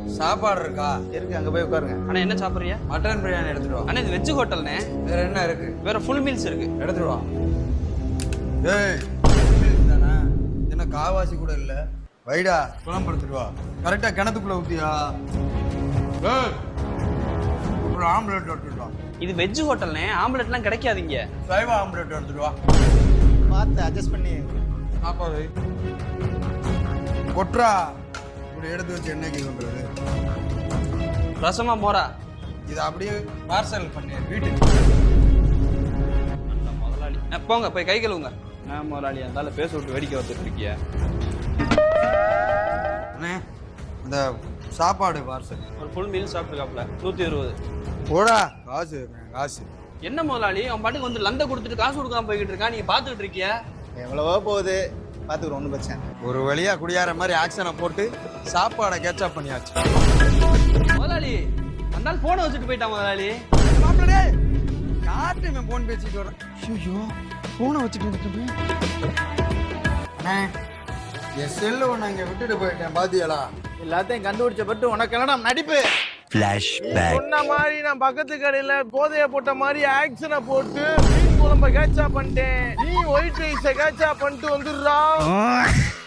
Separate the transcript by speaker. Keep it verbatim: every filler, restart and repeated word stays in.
Speaker 1: சாப்பாடு இருக்கா?
Speaker 2: இருக்கு, அங்க போய் உட்காருங்க.
Speaker 3: அண்ணா என்ன சாப்பிட்றியா?
Speaker 1: மட்டன் பிரியாணி எடுத்துட்டு வா.
Speaker 3: அண்ணா இது வெஜ் ஹோட்டல்ண்ணே.
Speaker 1: வேற என்ன இருக்கு?
Speaker 3: வேற ஃபுல் மீல்ஸ் இருக்கு.
Speaker 1: எடுத்துட்டு வா. ஏய் மீல்ஸ் தானே, என்ன காவாசி கூட இல்ல. வைடா குழம்பு எடுத்துட்டு வா. கரெக்டா கிணத்துக்குள்ள ஊத்தியா? ஏய் ஒரு ஆம்லெட் எடுத்துட்டு வா.
Speaker 3: இது வெஜ் ஹோட்டல்ண்ணே, ஆம்லெட்லாம் கிடைக்காதீங்க.
Speaker 1: சைவ ஆம்லெட் எடுத்துட்டு வா.
Speaker 2: பார்த்து அட்ஜஸ்ட் பண்ணி
Speaker 1: சாப்பாடு கொட்ரா. இப்படி எடுத்து வச்சு என்னைக்கு கொண்டுறது?
Speaker 3: ரசமா மோரா?
Speaker 1: இதை அப்படியே பார்சல் பண்ணி வீட்டுக்கு.
Speaker 3: முதலாளி போங்க போய் கை கழுவுங்க. நான் முதலாளி இருந்தால பேச விட்டு வேடிக்கை வந்துட்டு இருக்கிய.
Speaker 1: அண்ணே இந்த சாப்பாடு பார்சல்
Speaker 3: ஒரு ஃபுல் மீல் சாப்பிட்டுருக்காப்ல நூற்றி இருபது.
Speaker 1: போடா காசு காசு.
Speaker 3: என்ன முதலாளி அவன் பாட்டுக்கு வந்து லந்த கொடுத்துட்டு காசு கொடுக்காம போய்கிட்டு இருக்கா, நீங்க பாத்துக்கிட்டு இருக்கிய.
Speaker 2: எவ்வளவோ போகுது, பார்த்துக்கிறோம், ஒன்றும் பிரச்சனை.
Speaker 1: ஒரு வழியா குடியார மாதிரி ஆக்ஷனை போட்டு சாப்பாடை கேட்சப் பண்ணியாச்சு.
Speaker 3: முதலாளி அந்த ஆள் போனை வச்சுட்டு போயிட்டான் முதலாளி.
Speaker 1: மாப்பிளே யார்கிட்ட இவன் போன் பேசிட்டு வரேன்? ஐயோ போனை வச்சுட்டு அண்ணே என் செல்லு ஒன்று இங்கே விட்டுட்டு போயிட்டேன் பாத்தியலா?
Speaker 2: எல்லாத்தையும் கண்டுபிடிச்ச பட்டு உனக்கு எல்லாம் நடிப்பு.
Speaker 4: சொன்ன மாதிரி நான் பக்கத்து கடையில போதைய போட்ட மாதிரி ஆக்ஷனை போட்டு மீன் குழம்ப கேட்சா பண்ணிட்டேன். நீ ஒயிட் ரைஸ கேட்சா பண்ணிட்டு வந்துடுறா.